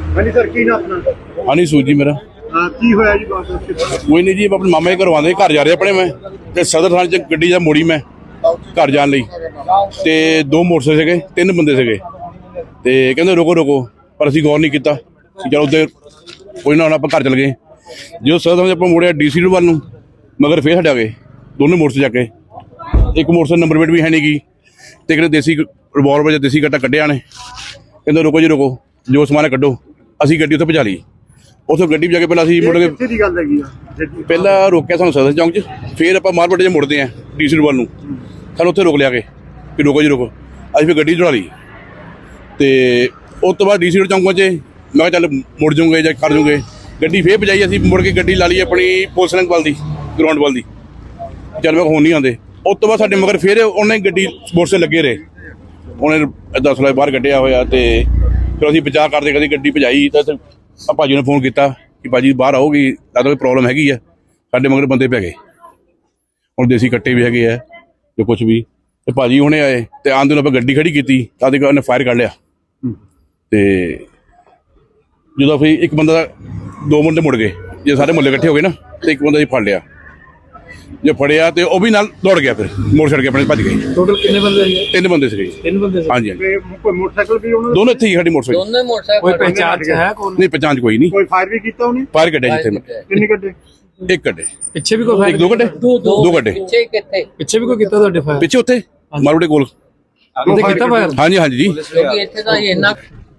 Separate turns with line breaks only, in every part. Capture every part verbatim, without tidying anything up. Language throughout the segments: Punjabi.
ਹਾਂਜੀ ਸਰ, ਕੀ ਨਾਮ ਆਪਣਾ?
ਹਾਂਜੀ ਸੂਜੀ ਮੇਰਾ।
ਹਾਂ, ਕੀ ਹੋਇਆ ਜੀ ਬਾਤ?
ਕੋਈ ਨਹੀਂ ਜੀ, ਆਪਣੇ ਮਾਮੇ ਦੇ ਘਰੋਂ ਆਉਂਦੇ ਘਰ ਜਾ ਰਹੇ ਆਪਣੇ। ਮੈਂ ਤੇ ਸਦਰ ਥਾਣੇ 'ਚ ਗੱਡੀ ਜਾਂ ਮੋੜੀ ਮੈਂ ਘਰ ਜਾਣ ਲਈ, ਤੇ ਦੋ ਮੋਟਰਸਾਈਕਲ ਸੀਗੇ, ਤਿੰਨ ਬੰਦੇ ਸੀਗੇ, ਤੇ ਕਹਿੰਦੇ ਰੁਕੋ ਰੁਕੋ, ਪਰ ਅਸੀਂ ਗੌਰ ਨਹੀਂ ਕੀਤਾ। ਚਲੋ ਉੱਧਰ ਕੋਈ ਨਾ, ਹੁਣ ਆਪਾਂ ਘਰ ਚਲ ਗਏ। ਜਦੋਂ ਸਦਰ ਥਾਣੇ ਆਪਾਂ ਮੁੜਿਆ ਡੀ ਸੀ ਵੱਲ ਨੂੰ, ਮਗਰ ਫੇਰ ਹਟਿਆ ਗਏ ਦੋਨੇ ਮੋਟਰਸਾਈਕਲ ਜਾ ਕੇ। ਇੱਕ ਮੋਟਰਸਾਈਕਲ ਨੰਬਰ ਪਲੇਟ ਵੀ ਹੈ ਨਹੀਂ ਗੀ, ਤੇ ਕਿਹੜੇ ਦੇਸੀ ਰਿਵਾਲਵਰ ਜਾਂ ਦੇਸੀ ਕੱਟਾ ਕੱਢਿਆ ਨੇ। ਕਹਿੰਦੇ ਰੁਕੋ ਜੀ ਰੁਕੋ, ਜੋ ਸਮਾਨ ਕੱਢੋ। ਅਸੀਂ ਗੱਡੀ ਉੱਥੇ ਪਹੁੰਚਾ ਲਈ। ਉੱਥੋਂ ਗੱਡੀ ਜਾ ਕੇ ਪਹਿਲਾਂ ਅਸੀਂ ਮੁੜ ਕੇ
ਕਿੱਥੇ ਦੀ ਗੱਲ ਹੈਗੀ ਆ?
ਪਹਿਲਾਂ ਰੋਕਿਆ ਸਾਨੂੰ ਸਦਰ ਚੌਂਕ 'ਚ, ਫਿਰ ਆਪਾਂ ਮਾਰਕੀਟ 'ਚ ਮੁੜਦੇ ਹਾਂ ਡੀ ਸੀ ਵੱਲ ਨੂੰ। ਸਾਨੂੰ ਉੱਥੇ ਰੋਕ ਲਿਆ ਕੇ ਕਿ ਰੁਕੋ ਜੀ ਰੁਕੋ। ਅਸੀਂ ਫਿਰ ਗੱਡੀ ਚੜਾ ਲਈ, ਤੇ ਉਸ ਤੋਂ ਬਾਅਦ ਡੀ ਸੀ ਚੌਂਕ ਪਹੁੰਚੇ। ਮੈਂ ਕਿਹਾ ਚੱਲ ਮੁੜ ਜੂਗੇ ਜਾਂ ਕਰ ਜੂਗੇ। ਗੱਡੀ ਫੇਰ ਭਜਾਈ ਅਸੀਂ, ਮੁੜ ਕੇ ਗੱਡੀ ਲਾ ਲਈ ਆਪਣੀ ਪੁਲਿਸ ਲਾਈਨ ਵੱਲ ਦੀ, ਗਰਾਊਂਡ ਵੱਲ ਦੀ। ਚੱਲ ਮੈਂ ਹੁਣ ਨਹੀਂ ਆਉਂਦੇ। ਉਸ ਤੋਂ ਬਾਅਦ ਸਾਡੇ ਮਗਰ ਫਿਰ ਉਹਨੇ ਗੱਡੀ ਸਪੋਰਟਸ 'ਤੇ ਲੱਗੇ ਰਹੇ। ਉਹਨੇ ਦਸ ਲੱਖ ਬਾਹਰ ਕੱਢਿਆ ਹੋਇਆ, ਤੇ ਫਿਰ ਅਸੀਂ ਬਚਾਅ ਕਰਦੇ ਕਦੀ ਗੱਡੀ ਭਜਾਈ। ਤਾਂ ਆ ਭਾਜੀ ਨੇ ਫੋਨ ਕੀਤਾ ਕਿ ਭਾਜੀ ਬਾਹਰ ਆਉਗੀ, ਲੱਗਦਾ ਕੋਈ ਪ੍ਰੋਬਲਮ ਹੈਗੀ ਆ। ਸਾਡੇ ਮਗਰ ਬੰਦੇ ਪੈ ਗਏ, ਹੁਣ ਦੇਸੀ ਕੱਟੇ ਵੀ ਹੈਗੇ ਆ ਜੋ ਕੁਛ ਵੀ। ਤੇ ਭਾਜੀ ਹੁਣੇ ਆਏ, ਤੇ ਆਉਂਦੇ ਨੂੰ ਆਪਾਂ ਗੱਡੀ ਖੜੀ ਕੀਤੀ, ਤਾਂ ਦੇਖੋ ਉਹਨੇ ਫਾਇਰ ਕਰ ਲਿਆ। ਤੇ ਜਦੋਂ ਫਿਰ ਇੱਕ ਬੰਦਾ, ਦੋ ਮੁੰਡੇ ਮੁੜ ਗਏ। ਜੇ ਸਾਰੇ ਮੁਹੱਲੇ ਇਕੱਠੇ ਹੋ ਗਏ ਨਾ, ਤੇ ਇੱਕ ਬੰਦਾ ਜੀ ਫੜ ਲਿਆ। ਜੇ ਫੜਿਆ ਤੇ ਉਹ ਵੀ ਨਾਲ ਦੌੜ ਗਿਆ, ਫਿਰ ਮੋੜ ਛੱਡ ਕੇ ਆਪਣੇ ਭੱਜ ਗਏ।
ਟੋਟਲ ਕਿੰਨੇ ਬੰਦੇ ਸੀਗੇ?
ਤਿੰਨ ਬੰਦੇ ਸੀਗੇ।
ਤਿੰਨ ਬੰਦੇ ਸੀ?
ਹਾਂਜੀ ਹਾਂਜੀ।
ਕੋਈ ਮੋਟਰਸਾਈਕਲ ਵੀ ਉਹਨਾਂ
ਦੋਨੋਂ ਇੱਥੇ ਹੀ ਸਾਡੀ ਮੋਟਰਸਾਈਕਲ।
ਦੋਨੇ ਮੋਟਰਸਾਈਕਲ।
ਕੋਈ ਪਹਿਚਾਣ ਚ ਹੈ ਕੋਈ?
ਨਹੀਂ ਪਹਿਚਾਣ ਚ ਕੋਈ ਨਹੀਂ।
ਕੋਈ ਫਾਇਰ ਵੀ ਕੀਤਾ ਉਹਨੇ?
ਫਾਇਰ ਕੱਢਿਆ ਜਿੱਥੇ ਮੈਂ।
ਕਿੰਨੇ ਕੱਢੇ?
ਇੱਕ ਕੱਢੇ।
ਪਿੱਛੇ ਵੀ ਕੋਈ
ਇੱਕ ਦੋ ਕੱਢੇ? ਦੋ ਕੱਢੇ।
ਪਿੱਛੇ ਕਿੱਥੇ?
ਪਿੱਛੇ ਵੀ ਕੋਈ ਕੀਤਾ ਤੁਹਾਡੇ ਫਾਇਰ?
ਪਿੱਛੇ ਉੱਥੇ ਮਾਰੂੜੇ ਕੋਲ।
ਉਹਦੇ ਕੀਤਾ ਫਾਇਰ?
ਹਾਂਜੀ ਹਾਂਜੀ ਜੀ।
ਕਿਉਂਕਿ ਇੱਥੇ ਤਾਂ ਇੰਨਾ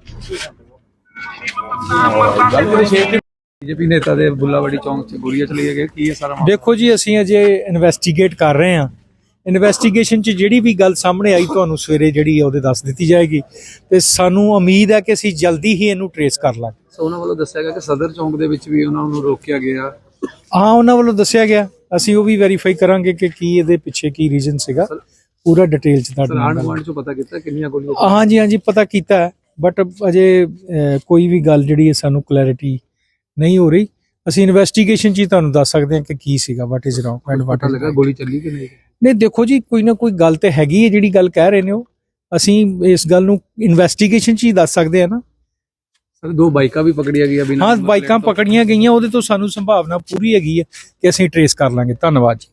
ਬੀਜੇਪੀ ਨੇਤਾ ਦੇ ਬੁੱਲਾਵਾੜੀ ਚੌਂਕ 'ਚ ਗੋਲੀਆਂ ਚਲਾਈਆਂ ਗਈਆਂ, ਕੀ ਹੈ ਸਾਰਾ ਮਾਮਲਾ?
ਦੇਖੋ ਜੀ, ਅਸੀਂ ਅਜੇ ਇਨਵੈਸਟੀਗੇਟ ਕਰ ਰਹੇ ਹਾਂ। ਇਨਵੈਸਟੀਗੇਸ਼ਨ 'ਚ ਜਿਹੜੀ ਵੀ ਗੱਲ ਸਾਹਮਣੇ ਆਈ ਤੁਹਾਨੂੰ ਸਵੇਰੇ ਜਿਹੜੀ ਹੈ ਉਹਦੇ ਦੱਸ ਦਿੱਤੀ ਜਾਏਗੀ, ਤੇ ਸਾਨੂੰ ਉਮੀਦ ਹੈ ਕਿ ਅਸੀਂ ਜਲਦੀ ਹੀ ਇਹਨੂੰ ਟਰੇਸ ਕਰ ਲਾਂਗੇ।
ਸੋ ਉਹਨਾਂ ਵੱਲੋਂ ਦੱਸਿਆ ਗਿਆ ਕਿ ਸਦਰ ਚੌਂਕ ਦੇ ਵਿੱਚ ਵੀ ਉਹਨਾਂ ਨੂੰ ਰੋਕਿਆ ਗਿਆ।
ਹਾਂ, ਉਹਨਾਂ ਵੱਲੋਂ ਦੱਸਿਆ ਗਿਆ, ਅਸੀਂ ਉਹ ਵੀ ਵੈਰੀਫਾਈ ਕਰਾਂਗੇ ਕਿ ਕੀ ਇਹਦੇ ਪਿੱਛੇ ਕੀ ਰੀਜ਼ਨ ਸੀਗਾ। ਪੂਰਾ ਡਿਟੇਲ 'ਚ ਤੁਹਾਡੇ
ਆਂਢ
ਨਾਲ
ਗੁਆਂਢ 'ਚੋਂ ਪਤਾ ਕੀਤਾ ਕਿੰਨੀਆਂ ਗੋਲੀਆਂ?
ਹਾਂਜੀ ਹਾਂਜੀ ਪਤਾ ਕੀਤਾ ਹੈ, ਬਟ ਅਜੇ ਅਹ, ਕੋਈ ਵੀ ਗੱਲ ਜਿਹੜੀ ਹੈ ਸਾਨੂੰ ਕਲੈਰਿਟੀ ਨਹੀਂ ਹੋ ਰਹੀ। ਅਸੀਂ ਇਨਵੈਸਟੀਗੇਸ਼ਨ 'ਚ ਹੀ ਤੁਹਾਨੂੰ ਦੱਸ ਸਕਦੇ ਹਾਂ ਕਿ ਕੀ ਸੀਗਾ, what is wrong and what
ਪਤਾ ਲੱਗਾ ਗੋਲੀ ਚੱਲੀ ਕਿ ਨਹੀਂ?
ਨਹੀਂ, ਦੇਖੋ ਜੀ, ਕੋਈ ਨਾ ਕੋਈ ਗੱਲ ਤੇ ਹੈਗੀ ਹੈ ਜਿਹੜੀ ਗੱਲ ਕਹਿ ਰਹੇ ਨੇ ਉਹ। ਅਸੀਂ ਇਸ ਗੱਲ ਨੂੰ ਇਨਵੈਸਟੀਗੇਸ਼ਨ 'ਚ ਹੀ ਦੱਸ ਸਕਦੇ ਹਾਂ ਨਾ।
ਸਰ ਦੋ ਬਾਈਕਾਂ ਵੀ ਪਕੜੀਆਂ ਗਈਆਂ ਬਿਨਾਂ
ਹਾਂ,
ਨੰਬਰ
ਬਾਈਕਾਂ
ਪਲੇਟ ਤੋਂ।
ਪਕੜੀਆਂ ਗਈਆਂ, ਉਹਦੇ ਤੋਂ ਸਾਨੂੰ ਸੰਭਾਵਨਾ ਪੂਰੀ ਹੈਗੀ ਹੈ ਕਿ ਅਸੀਂ ਟਰੇਸ ਕਰ ਲਾਂਗੇ। ਧੰਨਵਾਦ ਜੀ।